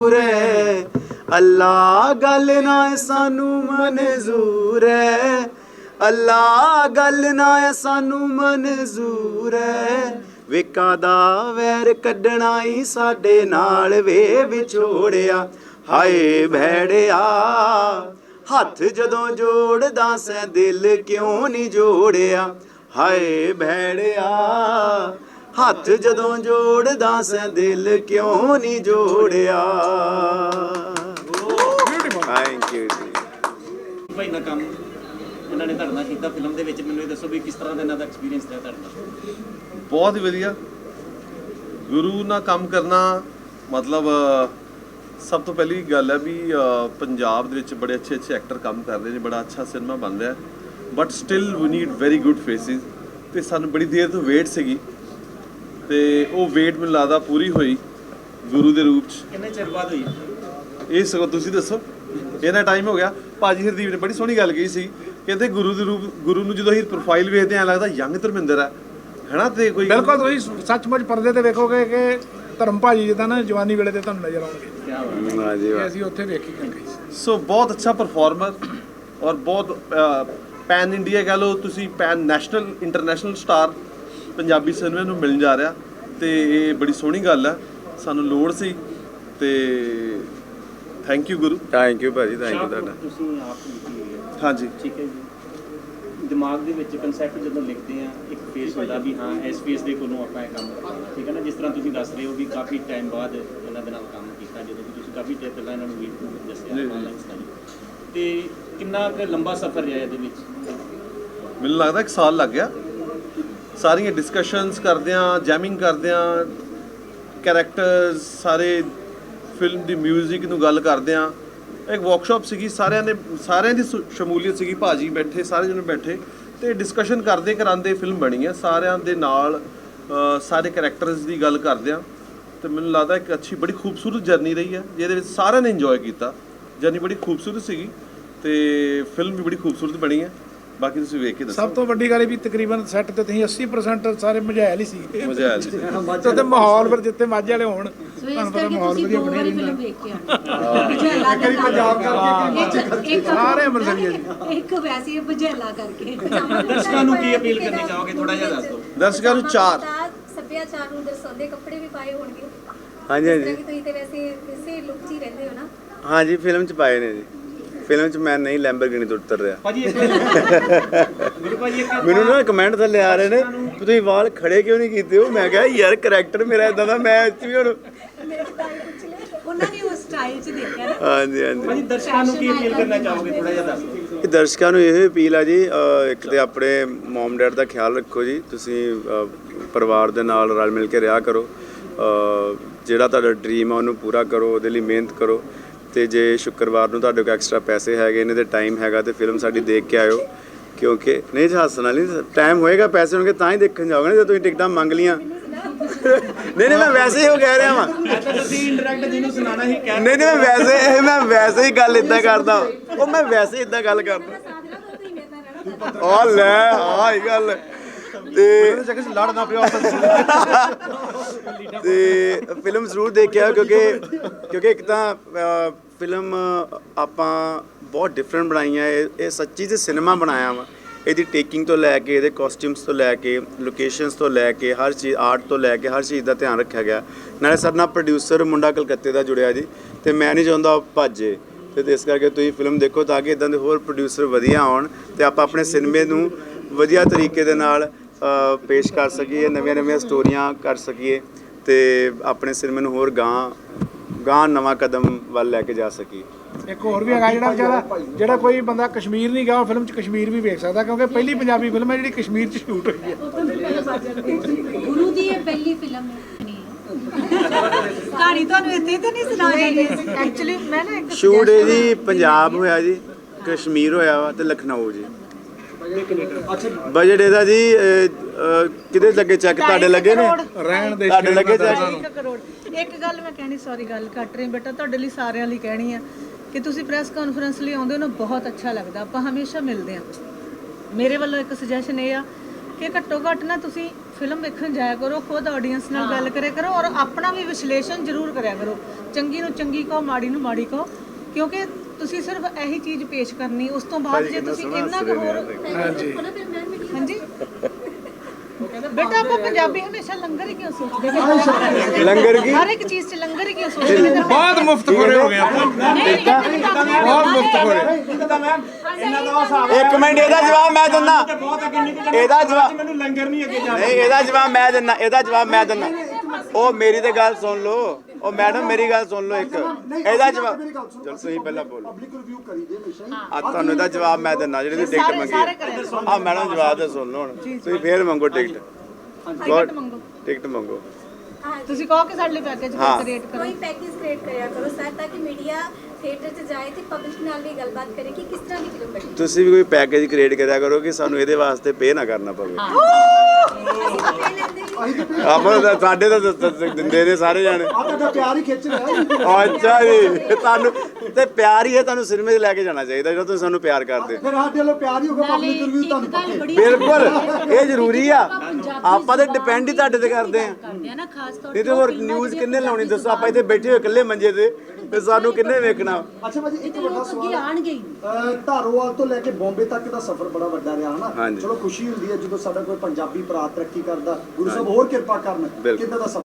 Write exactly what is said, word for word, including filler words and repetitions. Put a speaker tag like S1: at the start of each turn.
S1: अल्लाह गल ना सानू मंजूर है, अल्लाह गल ना सानू मंजूर है। विका दा वैर कड्ढना ही साडे नाल वे विछोड़िया, हाय भैड़िया हथ जदों जोड़दा सै दिल क्यों नहीं जोड़िया, हाय भैड़िया हथ जदों जोड़दा सै दिल क्यों नहीं जोड़िया। थैंक यू जी
S2: भाई ना काम ਇਹਨਾਂ ਨੇ ਤੁਹਾਡੇ ਨਾਲ ਕੀਤਾ ਫਿਲਮ ਦੇ ਵਿੱਚ, ਮੈਨੂੰ ਇਹ ਦੱਸੋ ਵੀ ਕਿਸ ਤਰ੍ਹਾਂ ਦਾ ਇਹਨਾਂ ਦਾ ਐਕਸਪੀਰੀਅੰਸ ਰਿਹਾ ਤੁਹਾਡੇ ਨਾਲ?
S3: ਬਹੁਤ ਹੀ ਵਧੀਆ। ਗੁਰੂ ਨਾਲ ਕੰਮ ਕਰਨਾ ਮਤਲਬ ਸਭ ਤੋਂ ਪਹਿਲੀ ਗੱਲ ਹੈ ਵੀ ਪੰਜਾਬ ਦੇ ਵਿੱਚ ਬੜੇ ਅੱਛੇ ਅੱਛੇ ਐਕਟਰ ਕੰਮ ਕਰ ਰਹੇ ਨੇ, ਬੜਾ ਅੱਛਾ ਸਿਨੇਮਾ ਬਣ ਰਿਹਾ, ਬਟ ਸਟਿਲ ਵੀ ਨੀਡ ਵੈਰੀ ਗੁੱਡ ਫੇਸਿਸ। ਤੇ ਸਾਨੂੰ ਬੜੀ ਦੇਰ ਤੋਂ ਵੇਟ ਸੀਗੀ ਤੇ ਉਹ ਵੇਟ ਮੈਨੂੰ ਲੱਗਦਾ ਪੂਰੀ ਹੋਈ ਗੁਰੂ ਦੇ ਰੂਪ 'ਚ।
S2: ਕਿੰਨੇ ਚਿਰ ਬਾਅਦ ਹੋਈ
S3: ਇਹ ਸਗੋਂ ਤੁਸੀਂ ਦੱਸੋ, ਇਹਦਾ ਟਾਈਮ ਹੋ ਗਿਆ। ਭਾਜੀ ਹਰਦੀਪ ਨੇ ਬੜੀ ਸੋਹਣੀ ਗੱਲ ਕਹੀ ਸੀ, ਕਹਿੰਦੇ ਗੁਰੂ ਦੇ ਰੂਪ ਗੁਰੂ ਨੂੰ ਜਦੋਂ ਅਸੀਂ ਪ੍ਰੋਫਾਈਲ ਵੇਖਦੇ ਐਂ ਲੱਗਦਾ ਯੰਗ ਧਰਮਿੰਦਰ ਹੈ ਹੈਨਾ। ਤੇ ਕੋਈ
S4: ਬਿਲਕੁਲ ਤੁਸੀਂ ਸੱਚਮੁੱਚ ਪਰਦੇ ਤੇ ਵੇਖੋਗੇ ਕਿ ਧਰਮ ਭਾਜੀ ਜਿੱਦਾਂ ਨਾ ਜਵਾਨੀ ਵੇਲੇ ਤੇ ਤੁਹਾਨੂੰ ਨਜ਼ਰ ਆਉਣਗੇ।
S1: ਵਾਹ ਜੀ ਵਾਹ।
S4: ਅਸੀਂ ਉੱਥੇ ਵੇਖੀ ਗਏ।
S3: ਸੋ ਬਹੁਤ ਅੱਛਾ ਪਰਫਾਰਮਰ ਔਰ ਬਹੁਤ ਪੈਨ ਇੰਡੀਆ ਕਹਿ ਲਓ ਤੁਸੀਂ, pan national international star Punjabi ਸਿਨੇਮੇ ਨੂੰ ਮਿਲਣ ਜਾ ਰਿਹਾ ਤੇ ਇਹ ਬੜੀ ਸੋਹਣੀ ਗੱਲ ਹੈ, ਸਾਨੂੰ ਲੋੜ ਸੀ ਤੇ thank you guru.
S1: Thank you ਭਾਜੀ, ਥੈਂਕ ਯੂ ਤੁਹਾਡਾ।
S2: ਤੁਸੀਂ ਆਪ ਲਿਖੀ ਹੈ?
S3: ਹਾਂਜੀ
S2: ਠੀਕ ਹੈ ਜੀ। ਦਿਮਾਗ ਦੇ ਵਿੱਚ ਕਨਸੈਪਟ ਜਦੋਂ ਲਿਖਦੇ ਆ ਇੱਕ ਫੇਸ ਹੁੰਦਾ ਵੀ ਹਾਂ ਇਸ ਫੇਸ ਦੇ ਕੋਲੋਂ ਆਪਾਂ ਇਹ ਕੰਮ ਕਰਨਾ, ਠੀਕ ਹੈ ਨਾ। ਜਿਸ ਤਰ੍ਹਾਂ ਤੁਸੀਂ ਦੱਸ ਰਹੇ ਹੋ ਵੀ ਕਾਫੀ ਟਾਈਮ ਬਾਅਦ ਇਹਨਾਂ ਦੇ ਨਾਲ ਕੰਮ ਕੀਤਾ, ਜਦੋਂ ਕਿ ਤੁਸੀਂ ਕਾਫੀ ਟਾਈਮ ਪਹਿਲਾਂ ਇਹਨਾਂ ਨੂੰ ਵੀ ਦੱਸਿਆ ਆਨਲਾਈਨ ਸਟਾਈਲ, ਤੇ ਕਿੰਨਾ ਕੁ ਲੰਬਾ ਸਫ਼ਰ ਰਿਹਾ ਇਹਦੇ ਵਿੱਚ?
S3: ਮੈਨੂੰ ਲੱਗਦਾ ਇੱਕ ਸਾਲ ਲੱਗ ਗਿਆ। ਸਾਰੀਆਂ ਡਿਸਕਸ਼ਨਸ ਕਰਦਿਆਂ, ਜੈਮਿੰਗ ਕਰਦਿਆਂ, ਕੈਰੈਕਟਰਸ ਸਾਰੇ, ਫਿਲਮ ਦੀ ਮਿਊਜ਼ਿਕ ਨੂੰ ਗੱਲ ਕਰਦਿਆਂ। ਇੱਕ ਵਰਕਸ਼ਾਪ ਸੀਗੀ, ਸਾਰਿਆਂ ਨੇ ਸਾਰਿਆਂ ਦੀ ਸ਼ਮੂਲੀਅਤ ਸੀਗੀ, ਭਾਜੀ ਬੈਠੇ, ਸਾਰੇ ਜਣੇ ਬੈਠੇ ਤੇ ਡਿਸਕਸ਼ਨ ਕਰਦੇ ਕਰਾਂਦੇ ਫਿਲਮ ਬਣੀ ਹੈ ਸਾਰਿਆਂ ਦੇ ਨਾਲ, ਸਾਰੇ ਕੈਰੈਕਟਰਸ ਦੀ ਗੱਲ ਕਰਦਿਆਂ। ਤੇ ਮੈਨੂੰ ਲੱਗਦਾ ਇੱਕ ਅੱਛੀ ਬੜੀ ਖੂਬਸੂਰਤ ਜਰਨੀ ਰਹੀ ਹੈ ਜਿਹਦੇ ਵਿੱਚ ਸਾਰਿਆਂ ਨੇ ਇੰਜੋਏ ਕੀਤਾ। ਜਰਨੀ ਬੜੀ ਖੂਬਸੂਰਤ ਸੀਗੀ ਤੇ ਫਿਲਮ ਵੀ ਬੜੀ ਖੂਬਸੂਰਤ ਬਣੀ ਹੈ। ਬਾਕੀ ਤੁਸੀਂ ਵੇਖ ਕੇ ਦੱਸੋ।
S4: ਸਭ ਤੋਂ ਵੱਡੀ ਗੱਲ ਵੀ ਤਕਰੀਬਨ ਸੈੱਟ ਤੇ ਤੁਸੀਂ ਅੱਸੀ ਪਰਸੈਂਟ ਸਾਰੇ ਮਝੈਲ ਹੀ ਸੀ।
S3: ਮਝੈਲ ਸੀ
S4: ਤੇ ਮਾਹੌਲ ਫਿਰ ਜਿੱਥੇ ਮਾਝੇ ਵਾਲੇ ਹੋਣ ਤੁਹਾਨੂੰ ਪਤਾ ਮਾਹੌਲ ਵਧੀਆ ਬਣਿਆ ਰਹਿੰਦਾ। ਪੰਜਾਬ ਕਰਕੇ ਸਾਰੇ ਅੰਮ੍ਰਿਤਸਰੀਏ ਜੀ
S5: ਇੱਕ ਵੈਸੇ ਬਝੇਲਾ ਕਰਕੇ।
S2: ਦਰਸ਼ਕਾਂ ਨੂੰ ਕੀ ਅਪੀਲ ਕਰਨੀ ਚਾਹੋਗੇ, ਥੋੜਾ ਜਿਹਾ ਦੱਸ ਦਿਓ।
S3: ਦਰਸ਼ਕਾਂ ਨੂੰ ਚਾਰ
S5: ਸੱਭਿਆਚਾਰ ਨੂੰ ਦਰਸਾਉਂਦੇ ਕੱਪੜੇ ਵੀ ਪਾਏ ਹੋਣਗੇ।
S1: ਹਾਂਜੀ ਹਾਂਜੀ
S5: ਤੁਸੀਂ ਤੇ ਵੈਸੇ ਇਸੇ ਲੁੱਕ 'ਚ ਹੀ ਰਹਿੰਦੇ ਹੋ ਨਾ?
S1: ਹਾਂਜੀ ਫਿਲਮ 'ਚ ਪਾਏ ਨੇ ਜੀ। ਫਿਲਮ 'ਚ ਮੈਂ ਨਹੀਂ ਲੈਂਬਰਗਿਨੀ ਤੋਂ ਉਤਰ ਰਿਹਾ।
S2: ਭਾਜੀ ਇੱਕ ਗੁਰੂ ਭਾਜੀ ਇੱਕ
S1: ਮੈਨੂੰ ਨਾ ਕਮੈਂਟ ਥੱਲੇ ਆ ਰਹੇ ਨੇ ਤੁਸੀਂ ਵਾਲ ਖੜੇ ਕਿਉਂ ਨਹੀਂ ਕੀਤੇ ਹੋ। ਮੈਂ ਕਿਹਾ ਯਾਰ ਕਰੈਕਟਰ ਮੇਰਾ ਇਦਾਂ ਦਾ, ਮੈਂ ਇੱਥੇ ਵੀ ਹੁਣ
S5: ਉਹਨਾਂ ਨੇ ਉਸ ਸਟਾਈਲ 'ਚ ਦੇਖਿਆ ਨਾ।
S1: ਹਾਂਜੀ ਹਾਂਜੀ।
S2: ਭਾਜੀ ਦਰਸ਼ਕਾਂ ਨੂੰ ਕੀ ਅਪੀਲ ਕਰਨਾ ਚਾਹੋਗੇ, ਥੋੜਾ ਜਿਹਾ ਦੱਸ ਦਿਓ।
S1: ਇਹ ਦਰਸ਼ਕਾਂ ਨੂੰ ਇਹ ਅਪੀਲ ਆ ਜੀ, ਇੱਕ ਤੇ ਆਪਣੇ ਮਮ ਡੈਡ ਦਾ ਖਿਆਲ ਰੱਖੋ ਜੀ, ਤੁਸੀਂ ਪਰਿਵਾਰ ਦੇ ਨਾਲ ਰਲ ਮਿਲ ਕੇ ਰਿਹਾ ਕਰੋ, ਜਿਹੜਾ ਤੁਹਾਡਾ ਡ੍ਰੀਮ ਆ ਉਹਨੂੰ ਪੂਰਾ ਕਰੋ, ਉਹਦੇ ਲਈ ਮਿਹਨਤ ਕਰੋ। ਤੇ ਜੇ ਸ਼ੁੱਕਰਵਾਰ ਨੂੰ ਤੁਹਾਡੇ ਕੋਲ ਐਕਸਟਰਾ ਪੈਸੇ ਹੈਗੇ ਨੇ ਤੇ ਟਾਈਮ ਹੈਗਾ ਤੇ ਫਿਲਮ ਸਾਡੀ ਦੇਖ ਕੇ ਆਇਓ, ਕਿਉਂਕਿ ਨਹੀਂ ਜੀ ਹੱਸਣ ਵਾਲੀ, ਟਾਈਮ ਹੋਏਗਾ ਪੈਸੇ ਹੋਣਗੇ ਤਾਂ ਹੀ ਦੇਖਣ ਜਾਓਗੇ ਨਾ। ਜੇ ਤੁਸੀਂ ਟਿਕਟਾਂ ਮੰਗ ਲੀਆਂ ਨਹੀਂ ਨਹੀਂ ਮੈਂ ਵੈਸੇ ਹੀ ਉਹ ਕਹਿ ਰਿਹਾ ਵਾਂ,
S2: ਤੁਸੀਂ ਇੰਟਰੈਕਟ ਜਿਹਨੂੰ ਸੁਣਾਣਾ ਹੀ ਕਹਿ
S1: ਨਹੀਂ ਨਹੀਂ ਮੈਂ ਵੈਸੇ ਮੈਂ ਵੈਸੇ ਹੀ ਗੱਲ ਇਦਾਂ ਕਰਦਾ, ਉਹ ਮੈਂ ਵੈਸੇ ਹੀ ਇਦਾਂ ਗੱਲ ਕਰਦਾ। ਆ ਲੈ ਆਹ ਹੀ ਗੱਲ ਤੇ
S4: ਲੜਨਾ ਪਿਆ
S1: ਤੇ ਫਿਲਮ ਜ਼ਰੂਰ ਦੇਖਿਆ, ਕਿਉਂਕਿ ਕਿਉਂਕਿ ਇੱਕ ਤਾਂ ਫਿਲਮ ਆਪਾਂ ਬਹੁਤ ਡਿਫਰੈਂਟ ਬਣਾਈ ਹੈ। ਇਹ ਇਹ ਸੱਚੀ 'ਚ ਸਿਨੇਮਾ ਬਣਾਇਆ ਵਾ। ਇਹਦੀ ਟੇਕਿੰਗ ਤੋਂ ਲੈ ਕੇ, ਇਹਦੇ ਕਾਸਟਿਊਮਸ ਤੋਂ ਲੈ ਕੇ, ਲੋਕੇਸ਼ਨਸ ਤੋਂ ਲੈ ਕੇ, ਹਰ ਚੀਜ਼, ਆਰਟ ਤੋਂ ਲੈ ਕੇ ਹਰ ਚੀਜ਼ ਦਾ ਧਿਆਨ ਰੱਖਿਆ ਗਿਆ। ਨਾਲੇ ਸਾਡੇ ਨਾਲ ਪ੍ਰੋਡਿਊਸਰ ਮੁੰਡਾ ਕਲਕੱਤੇ ਦਾ ਜੁੜਿਆ ਜੀ, ਤੇ ਮੈਂ ਨਹੀਂ ਚਾਹੁੰਦਾ ਉਹ ਭੱਜੇ, ਤੇ ਇਸ ਕਰਕੇ ਤੁਸੀਂ ਫਿਲਮ ਦੇਖੋ ਤਾਂ ਕਿ ਇਦਾਂ ਦੇ ਹੋਰ ਪ੍ਰੋਡਿਊਸਰ ਵਧੀਆ ਆਉਣ ਤੇ ਆਪਾਂ ਆਪਣੇ ਸਿਨੇਮੇ ਨੂੰ ਵਧੀਆ ਤਰੀਕੇ ਦੇ ਨਾਲ ਪੇਸ਼ ਕਰ ਸਕੀਏ, ਨਵੀਆਂ ਨਵੀਆਂ ਸਟੋਰੀਆਂ ਕਰ ਸਕੀਏ ਤੇ ਆਪਣੇ ਸਿਨੇਮੇ ਨੂੰ ਹੋਰ ਗਾਂ ਗਾਂ ਨਵਾਂ ਕਦਮ ਵੱਲ ਲੈ ਕੇ ਜਾ ਸਕੀਏ।
S4: ਇੱਕ ਹੋਰ ਵੀ ਹੈਗਾ ਜਿਹੜਾ ਵਿਚਾਰਾ ਜਿਹੜਾ ਕੋਈ ਬੰਦਾ ਕਸ਼ਮੀਰ ਨਹੀਂ ਗਿਆ ਉਹ ਫਿਲਮ 'ਚ ਕਸ਼ਮੀਰ ਵੀ ਵੇਖ ਸਕਦਾ, ਕਿਉਂਕਿ ਪਹਿਲੀ ਪੰਜਾਬੀ ਫਿਲਮ ਹੈ ਜਿਹੜੀ ਕਸ਼ਮੀਰ 'ਚ ਸ਼ੂਟ ਹੋਈ ਹੈ।
S5: ਗੁਰੂ ਦੀ ਇਹ ਪਹਿਲੀ ਫਿਲਮ ਹੈ। ਕਹਾਣੀ ਤੁਹਾਨੂੰ ਇੱਥੇ ਤਾਂ ਨਹੀਂ ਸੁਣਾ ਰਹੀ ਐਕਚੁਅਲੀ ਮੈਂ ਨਾ ਇੱਕ
S1: ਸ਼ੂਟ ਇਹ ਜੀ ਪੰਜਾਬ ਹੋਇਆ ਜੀ, ਕਸ਼ਮੀਰ ਹੋਇਆ ਵਾ ਤੇ ਲਖਨਊ ਜੀ। ਬਜਟ ਇਹਦਾ ਜੀ ਕਿਹਦੇ ਲੱਗੇ ਚੈੱਕ ਤੁਹਾਡੇ ਲੱਗੇ ਨੇ?
S4: ਰਹਿਣ ਦੇ
S1: ਤੁਹਾਡੇ ਲੱਗੇ ਚੈੱਕ?
S6: ਇੱਕ ਕਰੋੜ। ਇੱਕ ਗੱਲ ਮੈਂ ਕਹਿਣੀ, ਸੌਰੀ ਗੱਲ ਕੱਟ ਰਹੀ ਬੇਟਾ, ਤੁਹਾਡੇ ਲਈ ਸਾਰਿਆਂ ਲਈ ਕਹਿਣੀ ਆ ਕਿ ਤੁਸੀਂ ਪ੍ਰੈਸ ਕਾਨਫਰੰਸ ਲਈ ਆਉਂਦੇ ਹੋ ਨਾ, ਬਹੁਤ ਅੱਛਾ ਲੱਗਦਾ, ਆਪਾਂ ਹਮੇਸ਼ਾ ਮਿਲਦੇ ਹਾਂ। ਮੇਰੇ ਵੱਲੋਂ ਇੱਕ ਸੁਜੈਸ਼ਨ ਇਹ ਆ ਕਿ ਘੱਟੋ ਘੱਟ ਨਾ ਤੁਸੀਂ ਫਿਲਮ ਵੇਖਣ ਜਾਇਆ ਕਰੋ, ਖੁਦ ਆਡੀਅנס ਨਾਲ ਗੱਲ ਕਰਿਆ ਕਰੋ ਔਰ ਆਪਣਾ ਵੀ ਵਿਸ਼ਲੇਸ਼ਣ ਜ਼ਰੂਰ ਕਰਿਆ ਕਰੋ। ਚੰਗੀ ਨੂੰ ਚੰਗੀ ਕਹੋ, ਮਾੜੀ ਨੂੰ ਮਾੜੀ ਕਹੋ, ਕਿਉਂਕਿ ਤੁਸੀਂ ਸਿਰਫ ਇਹੀ ਚੀਜ਼ ਪੇਸ਼ ਕਰਨੀ, ਉਸ ਤੋਂ ਬਾਅਦ ਜੇ ਤੁਸੀਂ ਇੰਨਾ ਕੁ ਹੋਰ
S4: ਹਾਂਜੀ
S6: ਹਾਂਜੀ ਬੇਟਾ ਆਪਾਂ ਪੰਜਾਬੀ ਹਮੇਸ਼ਾ ਲੰਗਰ ਹੀ ਕਿਉਂ ਸੋਚਦੇ ਨੇ?
S1: ਲੰਗਰ ਕੀ
S6: ਹਰ ਇੱਕ ਚੀਜ਼ 'ਚ ਲੰਗਰ ਹੀ ਕਿਉਂ ਸੋਚਦੇ ਨੇ?
S7: ਬਹੁਤ ਮੁਫਤਖੋਰੇ ਹੋ ਗਏ ਆਪਾਂ ਬਹੁਤ ਮੁਫਤਖੋਰੇ।
S1: ਇੱਕ ਮਿੰਟ, ਇਹਦਾ ਜਵਾਬ ਮੈਂ ਦਿੰਦਾ। ਇਹਦਾ ਜਵਾਬ
S2: ਮੈਨੂੰ ਲੰਗਰ ਨਹੀਂ ਅੱਗੇ ਜਾਣਾ।
S1: ਨਹੀਂ, ਇਹਦਾ ਜਵਾਬ ਮੈਂ ਦਿੰਦਾ। ਇਹਦਾ ਜਵਾਬ ਮੈਂ ਦਿੰਦਾ। ਉਹ ਮੇਰੀ ਤੇ ਗੱਲ ਸੁਣ ਲਓ। ਉਹ ਮੈਡਮ ਮੇਰੀ ਗੱਲ ਸੁਣ ਲਓ ਇੱਕ। ਇਹਦਾ ਜਵਾਬ ਚਲ ਤੁਸੀਂ ਪਹਿਲਾਂ ਬੋਲੋ।
S8: ਪਬਲਿਕ ਰਿਵਿਊ ਕਰੀ ਦੇ ਹਮੇਸ਼ਾ ਹੀ।
S1: ਆ ਤੁਹਾਨੂੰ ਇਹਦਾ ਜਵਾਬ ਮੈਂ ਦਿੰਦਾ ਜਿਹੜੀ ਤੁਸੀਂ ਟਿਕਟ ਮੰਗੀ ਹੈ। ਆ ਮੈਡਮ ਜਵਾਬ ਤਾਂ ਸੁਣ ਲਓ ਹੁਣ। ਤੁਸੀਂ ਫੇਰ ਮੰਗੋ ਟਿਕਟ।
S6: ਟਿਕਟ ਮੰਗੋ,
S1: ਟਿਕਟ ਮੰਗੋ।
S6: ਤੁਸੀਂ ਕਹੋ ਕਿ ਸਾਡੇ ਲਈ ਪੈਕੇਜ
S1: ਹਾਂ।
S6: ਕ੍ਰੀਏਟ ਕਰੋ।
S9: ਕੋਈ ਪੈਕੇਜ ਕ੍ਰੀਏਟ ਕਰਿਆ ਕਰੋ ਸਰ, ਤਾਂ ਕਿ ਮੀਡੀਆ ਥੀਏਟਰ 'ਚ ਜਾਏ ਤੇ ਪਬਲਿਕ ਨਾਲ ਵੀ ਗੱਲਬਾਤ ਕਰੇ ਕਿ ਕਿਸ ਤਰ੍ਹਾਂ ਦੀ ਫਿਲਮ ਬਣੀ।
S1: ਤੁਸੀਂ ਵੀ ਕੋਈ ਪੈਕੇਜ ਕ੍ਰੀਏਟ ਕਰਿਆ ਕਰੋ ਕਿ ਸਾਨੂੰ ਇਹਦੇ ਵਾਸਤੇ ਪੇ ਨਾ ਕਰਨਾ ਪਵੇ।
S9: ਅਸੀਂ ਤਾਂ ਪੇ ਲੈਂਦੇ ਹੀ
S1: ਆਪਾਂ ਤਾਂ ਸਾਡੇ ਤਾਂ ਦ- ਦ- ਦਿੰਦੇ ਨੇ ਸਾਰੇ ਜਾਣੇ।
S8: ਆ ਤੁਹਾਡਾ ਪਿਆਰ ਹੀ ਖਿੱਚ ਰਿਹਾ।
S1: ਅੱਛਾ ਜੀ, ਤੁਹਾਨੂੰ ਤੇ ਪਿਆਰ ਹੀ ਹੈ, ਤੁਹਾਨੂੰ ਸਿਨੇਮੇ 'ਚ ਲੈ ਕੇ ਜਾਣਾ ਚਾਹੀਦਾ ਜਦੋਂ ਤੁਸੀਂ ਸਾਨੂੰ ਪਿਆਰ ਕਰਦੇ।
S8: ਫਿਰ ਸਾਡੇ ਵੱਲੋਂ ਪਿਆਰ ਹੀ ਹੋਗਾ। ਪਬਲਿਕ ਰਿਵਿਊ ਤੁਹਾਨੂੰ ਪੱਕੇ।
S1: ਬਿਲਕੁਲ ਇਹ ਜ਼ਰੂਰੀ ਆ। ਆਪਾਂ ਤਾਂ ਡਿਪੈਂਡ ਹੀ ਤੁਹਾਡੇ ਤੇ ਕਰਦੇ ਆ।
S5: ਕਰਦੇ ਆ ਨਾ, ਖਾਸ ਤੌਰ
S1: ਨਹੀਂ ਤੇ ਹੋਰ ਨਿਊਜ਼ ਕਿੰਨੇ ਲਾਉਣੀ ਦੱਸੋ? ਆਪਾਂ ਇੱਥੇ ਬੈਠੇ ਹੋਏ ਇਕੱਲੇ ਮੰਜੇ ਤੇ ਤੇ ਸਾਨੂੰ ਕਿੰਨੇ ਵੇਖਣਾ?
S8: ਅੱਛਾ ਭਾਜੀ, ਇੱਕ ਵੱਡਾ ਸਵਾਲ
S5: ਅੱਗੇ
S8: ਹੈ।
S5: ਆਣਗੇ ਹੀ।
S8: ਅਹ ਧਾਰੋਵਾਲ ਤੋਂ ਲੈ ਕੇ ਬੰਬੇ ਤੱਕ ਦਾ ਸਫ਼ਰ ਬੜਾ ਵੱਡਾ ਰਿਹਾ ਹਨਾ।
S1: ਹਾਂਜੀ।
S8: ਚਲੋ ਖੁਸ਼ੀ ਹੁੰਦੀ ਹੈ ਜਦੋਂ ਸਾਡਾ ਕੋਈ ਪੰਜਾਬੀ ਭਰਾ ਤਰੱਕੀ ਕਰਦਾ, ਗੁਰੂ ਸਾਹਿਬ ਹੋਰ ਕਿਰਪਾ ਕਰਨ।
S1: ਬਿਲਕੁਲ।
S8: ਕਿੱਦਾਂ ਦਾ ਸਫ਼ਰ